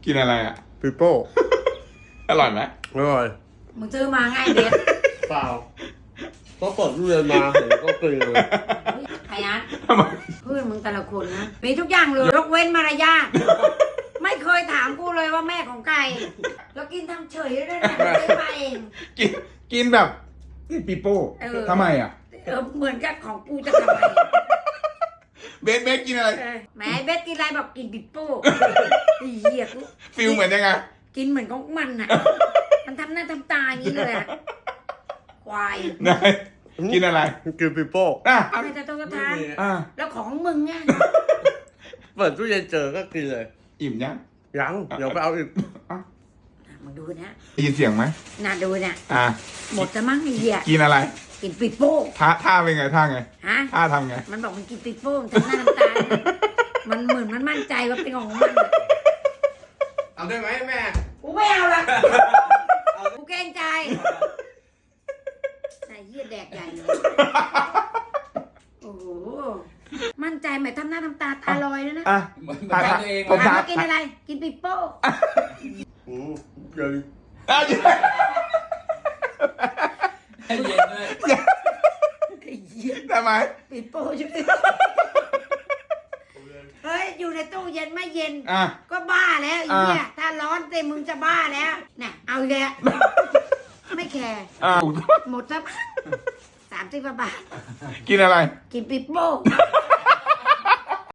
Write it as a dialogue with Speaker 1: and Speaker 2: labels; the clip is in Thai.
Speaker 1: กินอะไรอ่ะ
Speaker 2: ปิโป้
Speaker 1: อร่อยไหม
Speaker 2: อร่อย
Speaker 3: มึงซื้อมาง่ายเด็ด
Speaker 2: เปล่าก็เปิดตู้เย็นมาเห็นก็กินเลย
Speaker 3: พยัน
Speaker 1: ทำไม
Speaker 3: เพื่อนมึงแต่ละคนนะมีทุกอย่างเลยยกเว้นมารยาทไม่เคยถามกูเลยว่าแม่ของใครแล้วกินทำเฉยด้วยนะไม่ได้มาเอง
Speaker 1: กินแบบนี่ปีโป้ทำไมอ่ะ
Speaker 3: เหมือนกับของกูจะทำไม
Speaker 1: เบสกินอะไร
Speaker 3: แหมเบสกินอะไรบอกกินปิโป้ไอ้เหี้ยกู
Speaker 1: ฟิลเหมือนยังไง
Speaker 3: กินเหมือนของมันอ่ะมันทำหน้าทำตาอย่างนี้เลยอะควาย
Speaker 1: นายกินอะไร
Speaker 2: กินปิโป้
Speaker 1: อ่ะ
Speaker 3: ไม่จะต้องกระทาน
Speaker 1: อ่ะ
Speaker 3: แล้วของมึงไง
Speaker 2: เปิดตู้เย็นเจอก็กินเลย
Speaker 1: อิ่มยัง
Speaker 2: ยังเดี๋ยวไปเอาอีก
Speaker 1: อ่ะ
Speaker 3: มึงดูนะ
Speaker 1: ได้ยินเสียงไหม
Speaker 3: น่าดูเนี่ย
Speaker 1: อ่ะ
Speaker 3: หมดจะมั้งไอ้เหี้ย
Speaker 1: กินอะไร
Speaker 3: กินปิโป้
Speaker 1: ท่าเป็นไงท่าไง
Speaker 3: ฮะ
Speaker 1: ท่าทำไง
Speaker 3: มันบอกมันกินปิโป้ทำหน้าทำตามันเหมือนมันมั่นใจว่าเป็นของมัน
Speaker 2: เอาได้ไหมแม่
Speaker 3: กูไม่เอาละกูเกรงใจไอ้เหี้ยแดกใหญ่เลยโอ้โหมั่นใจไหมทำหน้าทำตาตาลอยแล้วนะ
Speaker 1: อ่ะ
Speaker 4: ถามตัวเอง
Speaker 1: ผม
Speaker 3: ถาม
Speaker 1: ถาม
Speaker 3: ว่ากินอะไร กินปิโป้
Speaker 2: เดี๋ยว
Speaker 1: อ่ะ
Speaker 4: ให้เย็นด้วย
Speaker 3: ไอ้เหี้ย
Speaker 1: ทำไม
Speaker 3: ปิโป้ใช่ไหมเฮ้ยอยู่ในตู้เย็นไม่เย็น
Speaker 1: อ่ะ
Speaker 3: ก็บ้าแล้วไอ้เนี่ยถ้าร้อนเต็มมึงจะบ้าแล้วน่ะเอาอีกแล้วไม่แคร์
Speaker 1: อ่ะ
Speaker 3: หมดสัก30 บาท
Speaker 1: กินอะไร
Speaker 3: กินปิโป้